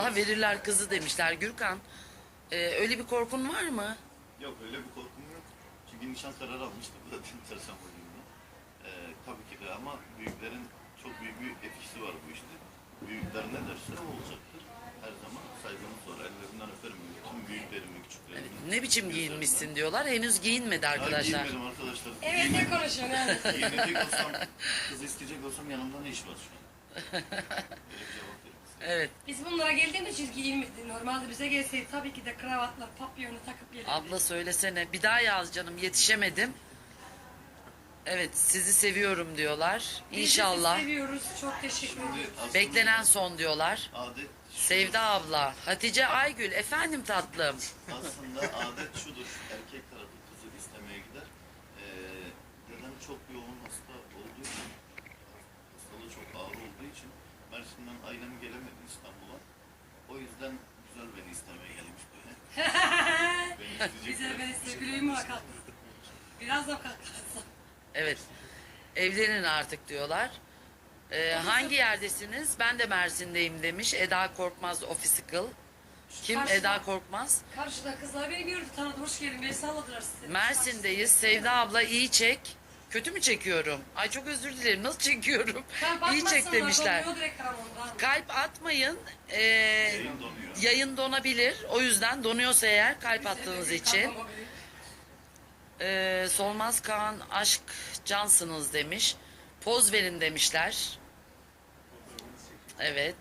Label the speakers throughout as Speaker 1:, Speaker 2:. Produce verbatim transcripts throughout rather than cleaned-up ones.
Speaker 1: Ha, verirler kızı demişler. Gürkan, e, öyle bir korkun var mı?
Speaker 2: Yok, öyle bir korkum yok. Çünkü nişan kararı almıştık zaten çarşamba günü. Ee, tabii ki de ama büyüklerin çok büyük bir etkisi var bu işte. Büyükler ne derse o olacaktır. Her zaman saygımız var. Ellerinden öperim. Tüm büyüklerimi, küçüklerimi.
Speaker 1: Ne biçim giyinmişsin diyorlar. Henüz giyinmedi
Speaker 2: Daha
Speaker 1: arkadaşlar.
Speaker 2: giyinmedim arkadaşlar.
Speaker 3: Evet, ne konuşuyorsun yani?
Speaker 2: Giyinecek olsam, kız isteyecek olsam yanımda ne iş var şu an? Böyle bir cevap verin.
Speaker 1: Evet.
Speaker 3: Biz bunlara geldiğimiz için giyinmedi. Normalde bize gelseydi tabii ki de kravatla, papyonu takıp gelirdik.
Speaker 1: Abla söylesene. Bir daha yaz canım. Yetişemedim. Evet, sizi seviyorum diyorlar.
Speaker 3: Biz de
Speaker 1: İnşallah.
Speaker 3: sizi seviyoruz. Çok teşekkür
Speaker 2: Şimdi
Speaker 3: ederim.
Speaker 2: aslında
Speaker 1: Beklenen son diyorlar.
Speaker 2: adet şu-
Speaker 1: Sevda abla. Hatice Aygül. Efendim tatlım.
Speaker 2: Aslında adet şudur, erkek tarafı kızı istemeye gider. Ee, dedem çok yoğun hasta olduğu için, hastalığı çok ağır olduğu için Mersin'den ailem gelemedi İstanbul'a. O yüzden güzel beni istemeye gelmiş böyle. Beni isteyecek
Speaker 3: Bize
Speaker 2: böyle.
Speaker 3: ben size güleyim mi bakalım? Biraz da kalkarsın.
Speaker 1: Evet. Evlenin artık diyorlar. Ee, hangi yerdesiniz? Ben de Mersin'deyim demiş. Eda Korkmaz Official. Kim
Speaker 3: Karşıda.
Speaker 1: Eda Korkmaz?
Speaker 3: Karşıda kızlar beni gördü, tanıdı, hoş geldin, beni salladılar size.
Speaker 1: Mersin'deyiz. Sevda abla iyi çek. Kötü mü çekiyorum? Ay çok özür dilerim. Nasıl çekiyorum?
Speaker 3: Ben
Speaker 1: İyi çek demişler.
Speaker 3: Donuyor direkt ondan.
Speaker 1: Kalp atmayın. Ee,
Speaker 2: Yayın donuyor.
Speaker 1: yayın donabilir. O yüzden donuyorsa eğer kalp attığınız için. Ee, Solmaz Kaan aşk cansınız demiş. Poz verin demişler. Evet.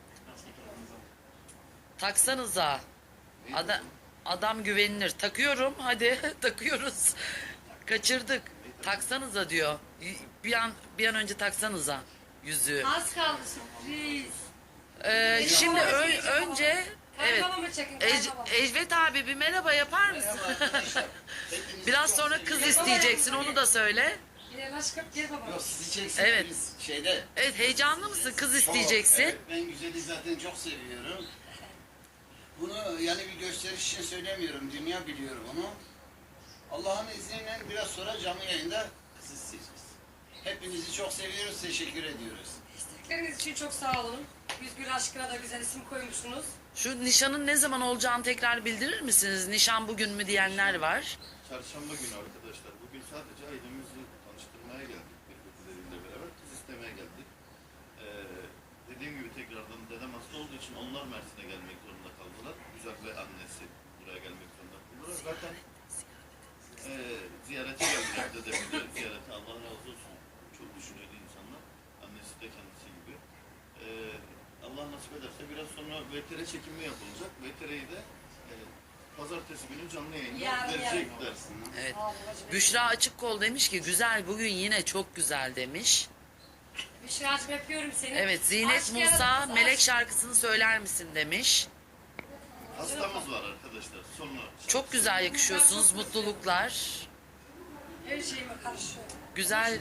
Speaker 1: Taksanıza. Adam, adam güvenilir. Takıyorum hadi takıyoruz. Kaçırdık. Taksanıza diyor. Bir an bir an önce taksanıza yüzüğü.
Speaker 3: Az kaldı sürpriz.
Speaker 1: Ee, şimdi ö- önce evet.
Speaker 3: Kaybabamı çekin,
Speaker 1: Ec-
Speaker 3: kaybabamı.
Speaker 1: Ecvet abi bir merhaba yapar mısın? Biraz sonra kız isteyeceksin onu da söyle.
Speaker 3: Gel aşkım, gel baba.
Speaker 4: Yok sizi çeksin
Speaker 1: Evet.
Speaker 4: biz şeyde.
Speaker 1: Evet heyecanlı mısın? Kız
Speaker 4: Çok,
Speaker 1: isteyeceksin.
Speaker 4: evet, ben güzeli zaten çok seviyorum. Bunu yani bir gösteriş için söylemiyorum. Dünya biliyor bunu. Allah'ın izniyle biraz sonra canlı yayında kız isteyeceğiz. Hepinizi çok seviyoruz. Teşekkür ediyoruz.
Speaker 3: Destekleriniz için çok sağ olun. Yüzgül aşkına da güzel isim koymuşsunuz.
Speaker 1: Şu nişanın ne zaman olacağını tekrar bildirir misiniz? Nişan bugün mü diyenler var.
Speaker 2: Çarşamba günü arkadaşlar. Bugün sadece ailemizi tanıştırmaya geldik. Birbirleriyle beraber kız istemeye geldik. Ee, dediğim gibi tekrardan dedem hasta olduğu için onlar Mersin'e gelmek zorunda kaldılar. Güzel ve annesi buraya gelmek zorunda kaldılar. Zaten e, ziyarete geldiler dedemi de ziyarete. Allah razı olsun. Çok düşünüyordu insanlar. Annesi de kendisi gibi. Ee, Allah nasip ederse biraz sonra V T R çekimi yapılacak. V T R'yi de e, pazartesi günü canlı yayında
Speaker 3: Yarın,
Speaker 2: verecekler.
Speaker 1: Evet.
Speaker 3: Sağ olun babacığım.
Speaker 1: Büşra Açıkkol demiş ki güzel bugün yine çok güzel demiş.
Speaker 3: Büşra'cığım öpüyorum seni.
Speaker 1: Evet Zinet
Speaker 3: Aşk
Speaker 1: Musa
Speaker 3: yaratırız,
Speaker 1: Melek
Speaker 3: aşk.
Speaker 1: şarkısını söyler misin demiş.
Speaker 2: Hastamız var arkadaşlar. Sonra
Speaker 1: Çok güzel yakışıyorsunuz. Mutluluklar.
Speaker 3: Her şeyime karışıyor.
Speaker 1: Güzel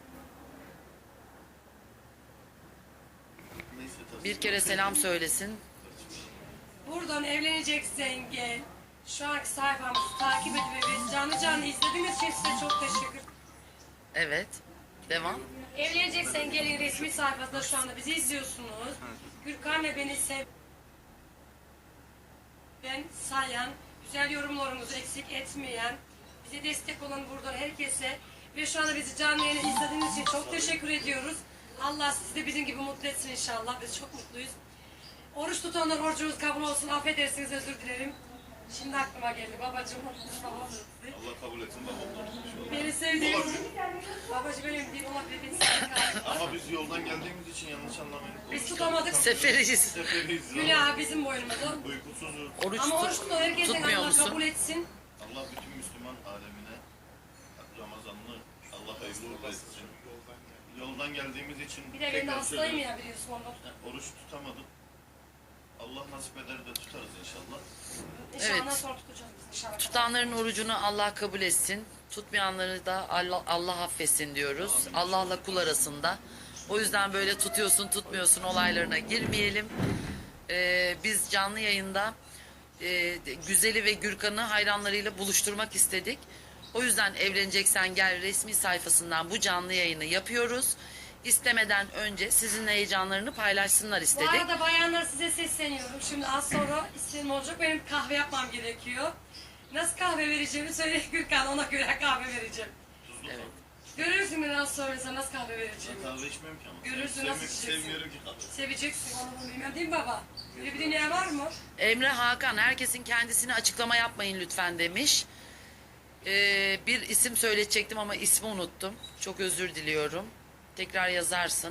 Speaker 2: neyse tabii.
Speaker 1: bir kere selam söylesin.
Speaker 3: Buradan evleneceksen gel. Şu anki sayfamızı takip edin ve biz canlı canlı izlediğiniz için size çok teşekkür ederim.
Speaker 1: Evet. Devam.
Speaker 3: Evleneceksen gelin resmi sayfasında şu anda bizi izliyorsunuz. Gürkan ve beni sev... Ben sayan, güzel yorumlarımızı eksik etmeyen, bize destek olan buradan herkese ve şu anda bizi canlı yayını izlediğiniz için çok teşekkür ediyoruz. Allah sizi de bizim gibi mutlu etsin inşallah. Biz çok mutluyuz. Oruç tutanlar orucunuz kabul olsun. Affedersiniz, özür dilerim. Şimdi aklıma geldi. Babacığım, babam sizi.
Speaker 2: Allah kabul etsin babam.
Speaker 3: Beni sevdiğim babacığım benim değil olabilir. Beni sevdiğim.
Speaker 2: Ama biz yoldan geldiğimiz için yanlış anlamayın.
Speaker 3: Biz tutamadık.
Speaker 1: Seferiyiz.
Speaker 2: Seferiyiz.
Speaker 3: Günah bizim boynumuza.
Speaker 2: Uykusuzuz.
Speaker 1: Oruç
Speaker 3: Ama oruç
Speaker 1: tut-
Speaker 3: tutan herkesin
Speaker 1: tutmuyor
Speaker 3: Allah
Speaker 1: musun?
Speaker 3: kabul etsin.
Speaker 2: Allah bütün Müslüman alemine Ramazanlı Allah hayırlı uğurlu etsin. Yoldan geldiğimiz için
Speaker 3: Bir de ben de
Speaker 2: tekrar
Speaker 3: hastayım
Speaker 2: söylüyorum.
Speaker 3: ya biliyorsun ondan.
Speaker 2: Oruç tutamadık. Allah nasip eder de tutarız inşallah.
Speaker 3: İnşallah
Speaker 1: Evet.
Speaker 3: ondan sonra tutacağız biz inşallah.
Speaker 1: Tutanların orucunu Allah kabul etsin. Tutmayanları da Allah, Allah affetsin diyoruz. Allah'la kul arasında. O yüzden böyle tutuyorsun tutmuyorsun olaylarına girmeyelim. Ee, biz canlı yayında e, Güzel'i ve Gürkan'ı hayranlarıyla buluşturmak istedik. O yüzden evleneceksen gel resmi sayfasından bu canlı yayını yapıyoruz. istemeden önce sizinle heyecanlarını paylaşsınlar
Speaker 3: Bu
Speaker 1: istedik.
Speaker 3: arada bayanlar size sesleniyorum. Şimdi az sonra isteğim olacak. Benim kahve yapmam gerekiyor. Nasıl kahve vereceğimi söyle Gürkan, ona göre kahve vereceğim.
Speaker 2: Tuzlu
Speaker 1: Evet.
Speaker 3: Görürsün beni az sonra sana nasıl kahve vereceğimi.
Speaker 2: kahve. Kahve içmiyorum ki ama.
Speaker 3: Görürsün,
Speaker 2: Sevmek
Speaker 3: nasıl içeceksin?
Speaker 2: sevmiyorum ki kahve.
Speaker 3: Seveceksin onu bunu bilmem değil mi baba? Böyle bir dünya var mı?
Speaker 1: Emre Hakan, herkesin kendisine açıklama yapmayın lütfen demiş. Ee, bir isim söyleyecektim ama ismi unuttum. Çok özür diliyorum. Tekrar yazarsın.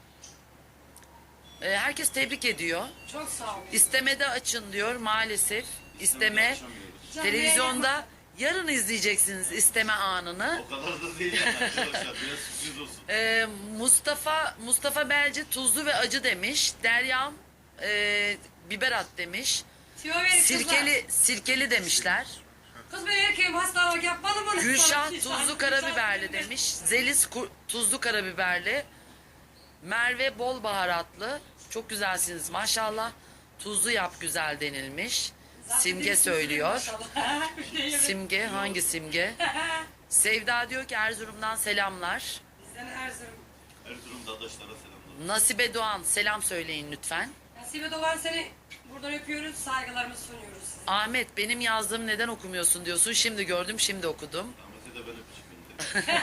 Speaker 1: Ee, herkes tebrik ediyor.
Speaker 3: Çok sağ ol.
Speaker 1: İstemede açın diyor maalesef. İsteme
Speaker 2: Açamıyoruz.
Speaker 3: Canlı
Speaker 1: televizyonda yarın izleyeceksiniz isteme anını.
Speaker 2: O kadar da değil yani arkadaşlar. Biraz sürpriz olsun.
Speaker 1: Ee, Mustafa Mustafa Belci tuzlu ve acı demiş. Deryam e, biber at demiş.
Speaker 3: Tüyo verin kızlar.
Speaker 1: Sirkeli sirkeli demişler.
Speaker 3: Kız ben erkeğim hastalık yapmadım onu.
Speaker 1: Gülşah
Speaker 3: Sana-
Speaker 1: tuzlu
Speaker 3: Gülşah
Speaker 1: karabiberli
Speaker 3: demiş.
Speaker 1: demiş. Zelis ku- tuzlu karabiberli. Merve bol baharatlı. Çok güzelsiniz maşallah. Tuzlu yap güzel denilmiş.
Speaker 3: Zaten
Speaker 1: Simge
Speaker 3: değilsin,
Speaker 1: söylüyor.
Speaker 3: maşallah. Bir de yemek.
Speaker 1: Simge hangi Simge? Sevda diyor ki Erzurum'dan selamlar.
Speaker 3: Bizden Erzurum.
Speaker 2: Erzurum dadaşlara selamlar.
Speaker 1: Nasibe Doğan selam söyleyin lütfen.
Speaker 3: Nasibe Doğan seni buradan öpüyoruz, saygılarımızı sunuyoruz size.
Speaker 1: Ahmet benim yazdığımı neden okumuyorsun diyorsun. Şimdi gördüm şimdi okudum.
Speaker 2: Ahmet'e de ben öpücük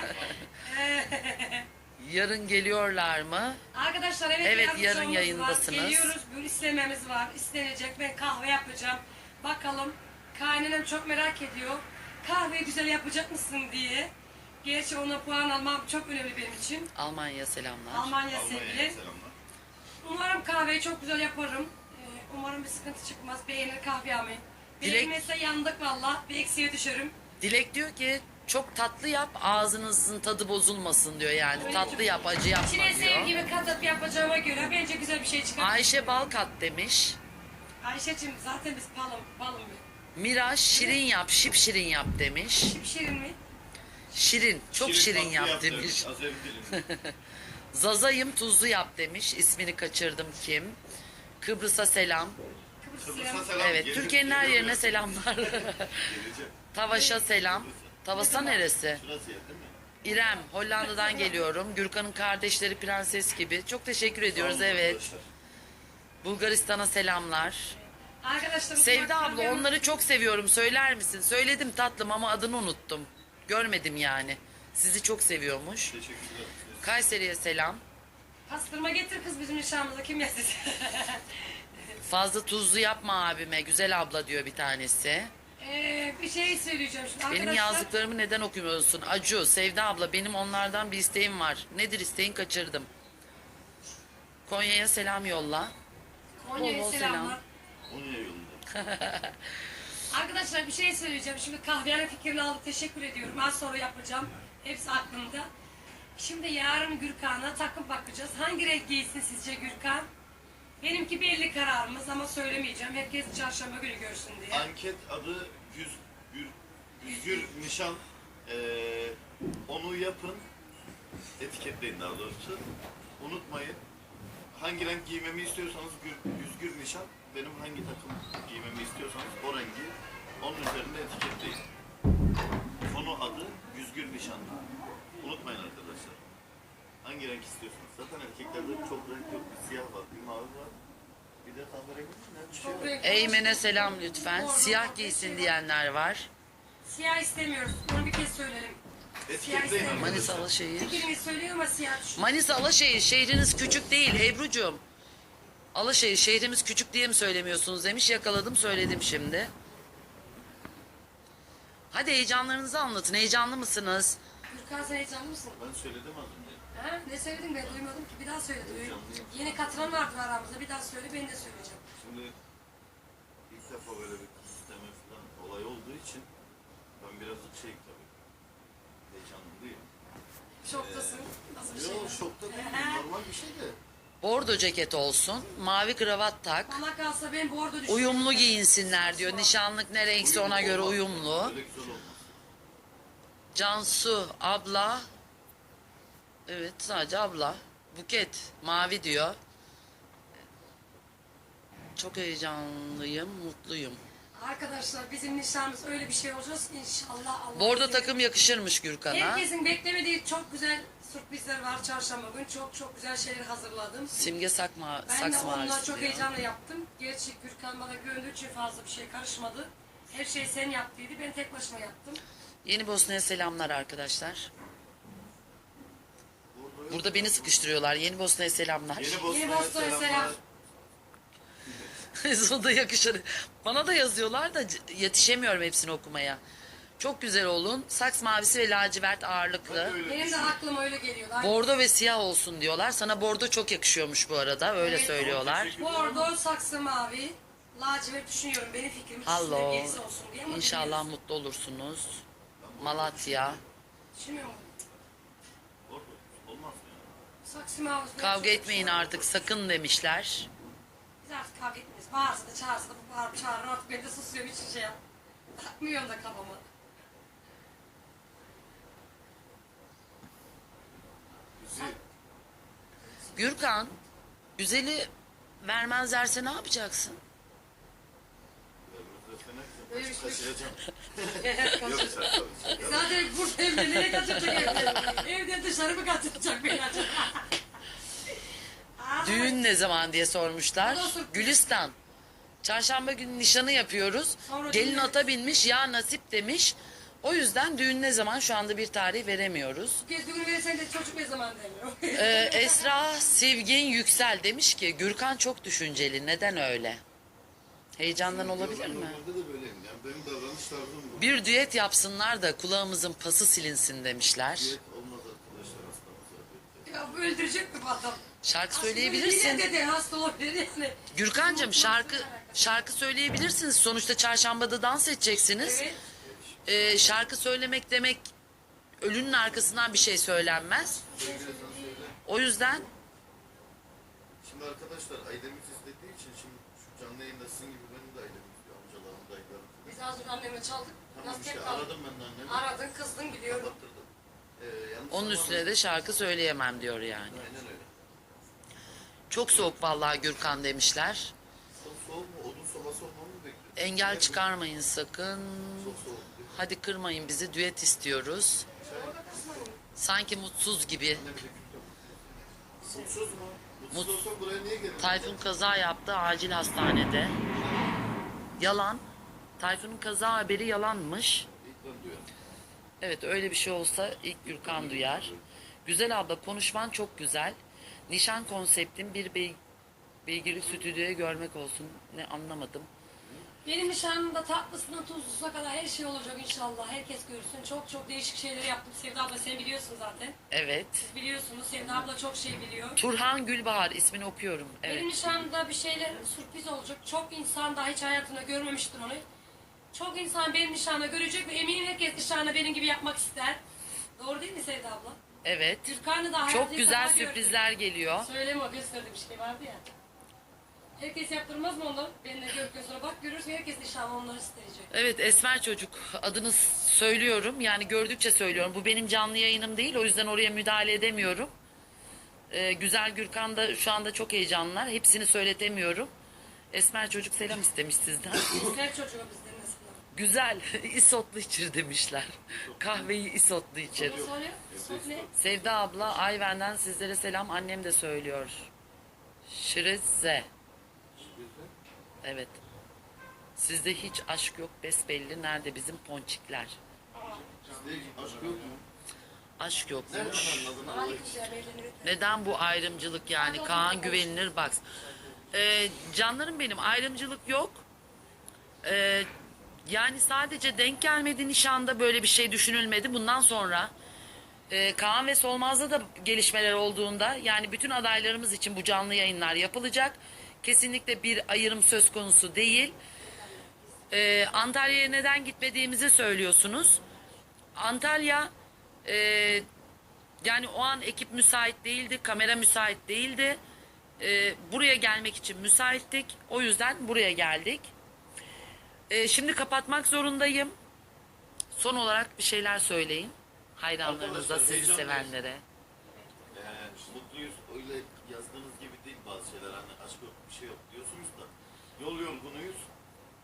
Speaker 2: göndereyim.
Speaker 1: Yarın geliyorlar mı?
Speaker 3: Arkadaşlar evet,
Speaker 1: Evet,
Speaker 3: yarın
Speaker 1: yarın
Speaker 3: şovumuz
Speaker 1: yayındasınız.
Speaker 3: Var. Geliyoruz, bir istememiz var, istenecek. Ben kahve yapacağım. Bakalım, kaynanam çok merak ediyor. Kahveyi güzel yapacak mısın diye. Gerçi ona puan almam çok önemli benim için.
Speaker 1: Almanya selamlar.
Speaker 3: Almanya
Speaker 2: Almanya'ya
Speaker 3: sevgili.
Speaker 2: selamlar.
Speaker 3: Umarım kahveyi çok güzel yaparım. Ee, umarım bir sıkıntı çıkmaz. Beğenir kahvemi.
Speaker 1: Dilek-
Speaker 3: Beğenmezse yandık valla. Bir eksiğe düşerim.
Speaker 1: Dilek diyor ki çok tatlı yap ağzınızın tadı bozulmasın diyor yani.
Speaker 3: Öyle
Speaker 1: Tatlı
Speaker 3: çok-
Speaker 1: yap acı yapma
Speaker 3: İçine
Speaker 1: diyor.
Speaker 3: sevgimi katıp yapacağıma göre bence güzel bir şey çıkar.
Speaker 1: Ayşe Balkat demiş.
Speaker 3: Ayşe'cim zaten biz balım, balım bir.
Speaker 1: Miraç şirin yap şip şirin yap demiş.
Speaker 3: Şirin mi?
Speaker 1: Şirin çok şirin,
Speaker 2: tatlı
Speaker 1: yap,
Speaker 2: demiş.
Speaker 1: demiş.
Speaker 2: Azeri dilinde.
Speaker 1: Zazayım tuzlu yap demiş. İsmini kaçırdım kim? Kıbrıs'a selam.
Speaker 3: Kıbrıs
Speaker 2: Kıbrıs'a
Speaker 3: selam.
Speaker 2: selam.
Speaker 1: Evet
Speaker 2: Gelir-
Speaker 1: Türkiye'nin her
Speaker 2: geliyor
Speaker 1: yerine
Speaker 2: biraz.
Speaker 1: selamlar.
Speaker 2: Geleceğim.
Speaker 1: Tavaş'a selam. Tavasa neresi?
Speaker 2: Şurası yer değil mi?
Speaker 1: İrem Hollanda'dan geliyorum. Gürkan'ın kardeşleri prenses gibi. Çok teşekkür ediyoruz
Speaker 2: Sağ olun
Speaker 1: evet.
Speaker 2: arkadaşlar.
Speaker 1: Bulgaristan'a selamlar.
Speaker 3: Arkadaşlar
Speaker 1: Sevda abla onları çok seviyorum söyler misin? Söyledim tatlım ama adını unuttum. Görmedim yani. Sizi çok seviyormuş.
Speaker 2: Teşekkürler.
Speaker 1: Kayseri'ye selam.
Speaker 3: Pastırma getir kız bizim nişanımıza kim yesin?
Speaker 1: Fazla tuzlu yapma abime. Güzel abla diyor bir tanesi.
Speaker 3: ee, bir şey söyleyeceğim şimdi.
Speaker 1: Benim
Speaker 3: Arkadaşlar,
Speaker 1: yazdıklarımı neden okumuyorsun? Acu, Sevda abla benim onlardan bir isteğim var. Nedir isteğin kaçırdım. Konya'ya selam yolla.
Speaker 3: Konya'ya
Speaker 1: Bol bol
Speaker 3: selamlar.
Speaker 2: Konya yolunda.
Speaker 3: Arkadaşlar bir şey söyleyeceğim. Şimdi kahvehane fikrini aldık. Teşekkür ediyorum. Az sonra yapacağım. Hepsi aklımda. Şimdi yarın Gürkan'a takım bakacağız. Hangi renk giysin sizce Gürkan? Benimki belli kararımız ama söylemeyeceğim. Herkes çarşamba günü görsün diye.
Speaker 2: Anket adı Güz, Gür, Güzgür Nişan. Ee, onu yapın. Etiketleyin daha doğrusu. Unutmayın. Hangi renk giymemi istiyorsanız gür, Güzgür Nişan. Benim hangi takım giymemi istiyorsanız o rengi onun üzerinde etiketleyin. Konu adı Güzgür Nişan. Unutmayın arkadaşlar. Hangi renk istiyorsanız. Zaten erkeklerde çok renk yok. Bir siyah var, bir mavi var. Bir de kahverengi mi? Ne? Bir şey
Speaker 3: Çok
Speaker 2: var.
Speaker 3: renkli.
Speaker 1: Eymen'e selam lütfen.
Speaker 3: Orada
Speaker 1: Siyah
Speaker 3: bak,
Speaker 1: giysin
Speaker 3: şey
Speaker 1: diyenler var.
Speaker 3: Siyah istemiyoruz. Bunu bir kez söyleyelim.
Speaker 2: Etiketleyin
Speaker 3: Siyah
Speaker 1: Manisa
Speaker 2: arkadaşlar.
Speaker 1: Alaşehir.
Speaker 3: Fikrimi söylüyor ama siyah düşün.
Speaker 1: Manisa Alaşehir şehriniz küçük değil Ebru'cum. Alaşehir şehrimiz küçük diye mi söylemiyorsunuz demiş. Yakaladım söyledim şimdi. Hadi heyecanlarınızı anlatın. Heyecanlı mısınız?
Speaker 3: Gürkan sen heyecanlı mısın?
Speaker 2: Ben söyledim az önce.
Speaker 3: Ha? Ne söyledin ben duymadım ki. Bir daha söyle. Duy.
Speaker 2: Heyecanlıyım.
Speaker 3: Yeni katılan vardır aramızda. Bir daha söyle ben de söyleyeceğim.
Speaker 2: Şimdi ilk defa böyle bir kız isteme falan olay olduğu için ben birazcık şey tabii heyecanlı değilim.
Speaker 3: Şoktasın. Nasıl bir şey?
Speaker 2: Yok şokta değilim, normal bir şey de.
Speaker 1: Bordo ceket olsun. Mavi kravat tak.
Speaker 3: Bana kalsa ben bordo düşünüyorum.
Speaker 1: Uyumlu giyinsinler diyor. Nişanlık ne renkse ona göre
Speaker 2: Olmaz.
Speaker 1: uyumlu.
Speaker 2: Öyle güzel olmaz.
Speaker 1: Cansu abla. Evet sadece abla. Buket mavi diyor. Çok heyecanlıyım, mutluyum.
Speaker 3: Arkadaşlar bizim nişanımız öyle bir şey olacağız ki inşallah. Allah
Speaker 1: Bordo
Speaker 3: izin
Speaker 1: takım yakışırmış Gürkan'a.
Speaker 3: Herkesin beklemediği çok güzel sürprizler var çarşamba gün. Çok çok güzel şeyler hazırladım.
Speaker 1: Simge sakma,
Speaker 3: Ben de
Speaker 1: saks
Speaker 3: onunla
Speaker 1: mavisi
Speaker 3: çok
Speaker 1: diyor.
Speaker 3: heyecanla yaptım. Gerçi Gürkan bana güvendüğü için fazla bir şey karışmadı. Her şeyi sen yaptıydı. Ben tek başıma yaptım.
Speaker 1: Yeni Bosna'ya selamlar arkadaşlar. Burada beni sıkıştırıyorlar. Yeni Bosna'ya selamlar.
Speaker 2: Yeni
Speaker 3: Yeni
Speaker 2: Bosna'ya
Speaker 3: Bosna'ya
Speaker 2: selamlar.
Speaker 3: selam.
Speaker 1: O da yakışır. Bana da yazıyorlar da c- yetişemiyorum hepsini okumaya. Çok güzel olun. Saks mavisi ve lacivert ağırlıklı.
Speaker 2: Öyle
Speaker 3: Benim de aklıma öyle geliyor. Aynı.
Speaker 1: Bordo ve siyah olsun diyorlar. Sana bordo çok yakışıyormuş bu arada. Öyle
Speaker 3: Evet,
Speaker 1: söylüyorlar.
Speaker 3: Bordo, saksı mavi, lacivert düşünüyorum. Benim fikrim ikisinde
Speaker 1: Hallo.
Speaker 3: birisi olsun diye ama
Speaker 1: İnşallah
Speaker 3: bilmiyoruz.
Speaker 1: mutlu olursunuz. Malatya.
Speaker 3: Düşünüyorum.
Speaker 2: Orada olmaz mı ya?
Speaker 3: Saksı mavi.
Speaker 1: Kavga etmeyin artık sakın demişler.
Speaker 3: Biz artık kavga etmeyiz. Bağırsa da çağırsa da bu bağırıp çağırır. Artık ben de susuyorum. Hiç şey yap. Takmıyorum da kafama.
Speaker 2: Bizi
Speaker 1: Gürkan, güzeli vermezlerse ne yapacaksın?
Speaker 3: Böyle bir şey.
Speaker 2: kaçıracağım.
Speaker 3: Evet,
Speaker 2: Yok
Speaker 3: kaçır.
Speaker 2: sen tabii.
Speaker 3: Zaten burada evde nereye kaçıracak evde? Evden dışarı mı kaçıracak beni acaba? Aa,
Speaker 1: Düğün ne zaman diye sormuşlar.
Speaker 3: O da sürpriz.
Speaker 1: Gülistan. Çarşamba günü nişanı yapıyoruz.
Speaker 3: Sonra
Speaker 1: Gelin
Speaker 3: düğün-
Speaker 1: ata binmiş ya nasip demiş. O yüzden düğün ne zaman şu anda bir tarih veremiyoruz.
Speaker 3: Bu kez düğünü verirsen de çocuk ne zaman demiyor.
Speaker 1: Ee, Esra Sevgin Yüksel demiş ki Gürkan çok düşünceli. Neden öyle? Heyecandan olabilir mi?
Speaker 2: Normalde de böyleyim. Yani benim davranış tarzım bu.
Speaker 1: Bir düet yapsınlar da kulağımızın pası silinsin demişler.
Speaker 2: Diyet olmaz arkadaşlar hastamız zaten.
Speaker 3: Ya bu öldürecek mi bu adam?
Speaker 1: Şarkı
Speaker 3: Aslında
Speaker 1: söyleyebilirsin.
Speaker 3: yine de hasta olabilir yani.
Speaker 1: Gürkancığım şarkı şarkı söyleyebilirsiniz. Sonuçta çarşambada dans edeceksiniz.
Speaker 3: Evet.
Speaker 1: Ee, şarkı söylemek demek ölünün arkasından bir şey söylenmez.
Speaker 2: Sevgili sen söyle.
Speaker 1: O yüzden
Speaker 2: Şimdi arkadaşlar ailemiz istediği için şimdi şu canlı yayında sizin gibi benim de ailem istiyor. Amcalarım, dayılarım.
Speaker 3: Biz az önce annemle çaldık.
Speaker 2: Tamam
Speaker 3: Nasıl
Speaker 2: işte
Speaker 3: tek kaldık?
Speaker 2: aradım ben de annemi.
Speaker 3: Aradın kızdın biliyorum.
Speaker 2: Kapattırdım. Ee, yalnız
Speaker 1: onun
Speaker 2: zamanı-
Speaker 1: üstüne de şarkı söyleyemem diyor yani.
Speaker 2: Aynen öyle.
Speaker 1: Çok soğuk vallahi Gürkan demişler.
Speaker 2: Çok soğuk mu? Odun sobası olmamı mı bekliyorsun?
Speaker 1: Engel çıkarmayın sakın.
Speaker 2: Çok soğuk diyor.
Speaker 1: Hadi kırmayın bizi, düet istiyoruz. Sanki mutsuz gibi.
Speaker 2: Ne bileyim. Mutsuz mu? Mutsuz
Speaker 1: Mut-
Speaker 2: olsam buraya niye geldin?
Speaker 1: Tayfun kaza yaptı acil hastanede. Yalan. Tayfun'un kaza haberi yalanmış.
Speaker 2: İlk ben duyuyorum.
Speaker 1: Evet öyle bir şey olsa ilk Gürkan duyar. Güzel abla konuşman çok güzel. Nişan konseptim bir bey, beygirlik stüdyoya görmek olsun. Ne anlamadım.
Speaker 3: Benim nişanımda tatlısından tuzlusuna kadar her şey olacak inşallah. Herkes görsün. Çok çok değişik şeyler yaptım. Sevda abla sen biliyorsun zaten.
Speaker 1: Evet.
Speaker 3: Siz biliyorsunuz. Sevda abla çok şey biliyor.
Speaker 1: Turhan Gülbahar ismini okuyorum. Evet.
Speaker 3: Benim nişanımda bir şeyler sürpriz olacak. Çok insan daha hiç hayatında görmemiştir onu. Çok insan benim nişanımda görecek ve eminim herkes nişanı benim gibi yapmak ister. Doğru değil mi Sevda abla?
Speaker 1: Evet.
Speaker 3: Gürkan'ı da hayatı
Speaker 1: Çok
Speaker 3: ilk
Speaker 1: güzel
Speaker 3: defa gördüm.
Speaker 1: sürprizler geliyor.
Speaker 3: Söyleme o gösterdiği bir şey vardı ya. Herkes yaptırmaz mı onu? Benimle gördükten sonra bak görürsün herkes nişanlı onları isteyecek.
Speaker 1: Evet Esmer çocuk adını söylüyorum yani gördükçe söylüyorum. Bu benim canlı yayınım değil o yüzden oraya müdahale edemiyorum. Ee, güzel Gürkan da şu anda çok heyecanlılar. Hepsini söyletemiyorum. Esmer çocuk selam istemiş sizden.
Speaker 3: Her çocuğu bizden mesela.
Speaker 1: Güzel isotlu içir demişler. Kahveyi isotlu içir.
Speaker 3: Ama sonra sok ne?
Speaker 1: Sevda abla Ayven'den sizlere selam annem de söylüyor. Şirize. Evet. Sizde hiç aşk yok besbelli. Nerede bizim ponçikler?
Speaker 2: Sizde hiç aşk yok mu?
Speaker 1: Aşk
Speaker 2: Nereden
Speaker 1: yokmuş.
Speaker 2: anladın
Speaker 3: Hadi
Speaker 2: Allah için?
Speaker 3: güzel belirlenir.
Speaker 1: Neden bu ayrımcılık yani? Kaan güvenilir bak. Ee, canlarım benim ayrımcılık yok. Ee, yani sadece denk gelmedi nişanda böyle bir şey düşünülmedi. Bundan sonra e, Kaan ve Solmaz'da da gelişmeler olduğunda yani bütün adaylarımız için bu canlı yayınlar yapılacak. Kesinlikle bir ayrım söz konusu değil. Ee, Antalya'ya neden gitmediğimizi söylüyorsunuz. Antalya e, yani o an ekip müsait değildi, kamera müsait değildi. Ee, buraya gelmek için müsaittik. O yüzden buraya geldik. Ee, şimdi kapatmak zorundayım. Son olarak bir şeyler söyleyin. Hayranlarınıza,
Speaker 2: Arkadaşlar,
Speaker 1: sizi
Speaker 2: heyecanlıyız.
Speaker 1: sevenlere.
Speaker 2: Ee, mutluyuz. Öyle yazdığınız gibi değil bazı şeyler. Hani aşk yok, bir şey yok diyorsunuz da. Yol yorgunuyuz. Heyecan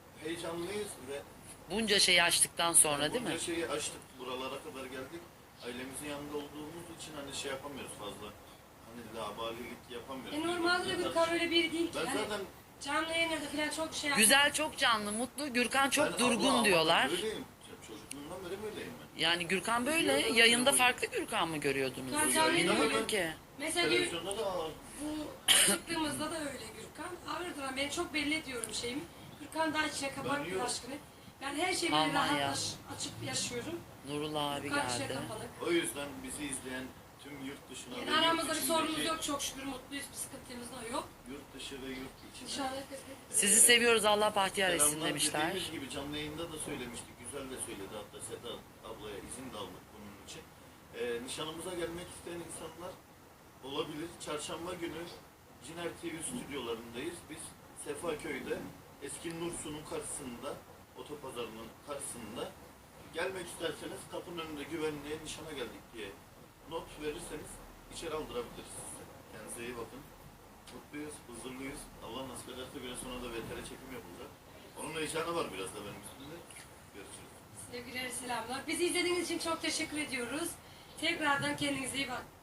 Speaker 2: heyecanlıyız ve
Speaker 1: Bunca şeyi açtıktan sonra değil mi?
Speaker 2: bunca şeyi açtık, buralara kadar geldik. Ailemizin yanında olduğumuz için hani şey yapamıyoruz fazla. Hani labalilik yapamıyoruz.
Speaker 3: E normalde de Gürkan öyle biri değil ki.
Speaker 2: Ben
Speaker 3: Hani
Speaker 2: zaten
Speaker 3: canlı yayınlarda falan çok şey yapıyor.
Speaker 1: Güzel, çok canlı, mutlu. Gürkan çok
Speaker 2: ben
Speaker 1: durgun
Speaker 2: Allah
Speaker 1: diyorlar.
Speaker 2: Allah böyleyim. Çocukluğumdan beri böyleyim ben.
Speaker 1: Yani Gürkan böyle. Yayında farklı Gürkan mı görüyordunuz?
Speaker 3: Gürkan canlı
Speaker 1: İnanamıyorum
Speaker 3: yayında-
Speaker 1: ki.
Speaker 3: Mesela diyor,
Speaker 2: Televizyonda da aa,
Speaker 3: bu çıktığımızda da öyle Gürkan. Ağırdır ama ben çok belli ediyorum şeyimi. Gürkan daha içine
Speaker 2: Ben
Speaker 3: kapattı
Speaker 2: yok.
Speaker 3: aşkını. Ben her şeyi böyle
Speaker 1: Aman
Speaker 3: rahat
Speaker 1: ya.
Speaker 3: aç- açıp yaşıyorum.
Speaker 1: Nurullah abi
Speaker 3: Gürkan içine
Speaker 1: geldi.
Speaker 3: kapalı.
Speaker 2: o yüzden bizi izleyen tüm yurt dışına
Speaker 3: Yani
Speaker 2: ve yurt
Speaker 3: aramızda bir
Speaker 2: içindeki-
Speaker 3: sorunumuz yok çok şükür mutluyuz bir sıkıntımız da yok.
Speaker 2: Yurt dışı ve yurt içinde.
Speaker 3: İnşallah.
Speaker 1: Sizi seviyoruz, Allah bahtiyar etsin
Speaker 2: Selamlar
Speaker 1: demişler.
Speaker 2: dediğimiz gibi canlı yayında da söylemiştik. Güzel de söyledi hatta Seda ablaya izin de aldık bunun için. Ee, nişanımıza gelmek isteyen insanlar olabilir. Çarşamba günü Ciner T V stüdyolarındayız. Biz Sefaköy'de eski Nursu'nun karşısında, otopazarının karşısında gelmek isterseniz kapının önünde güvenliğe nişana geldik diye not verirseniz içeri aldırabiliriz size. Kendinize iyi bakın. Mutluyuz, huzurluyuz. Allah nasip ederse biraz sonra da V T R çekim yapılacak. Onun heyecanı var biraz da benim üstümde. Görüşürüz.
Speaker 3: Sevgiler selamlar. Bizi izlediğiniz için çok teşekkür ediyoruz. Tekrardan kendinize iyi bakın.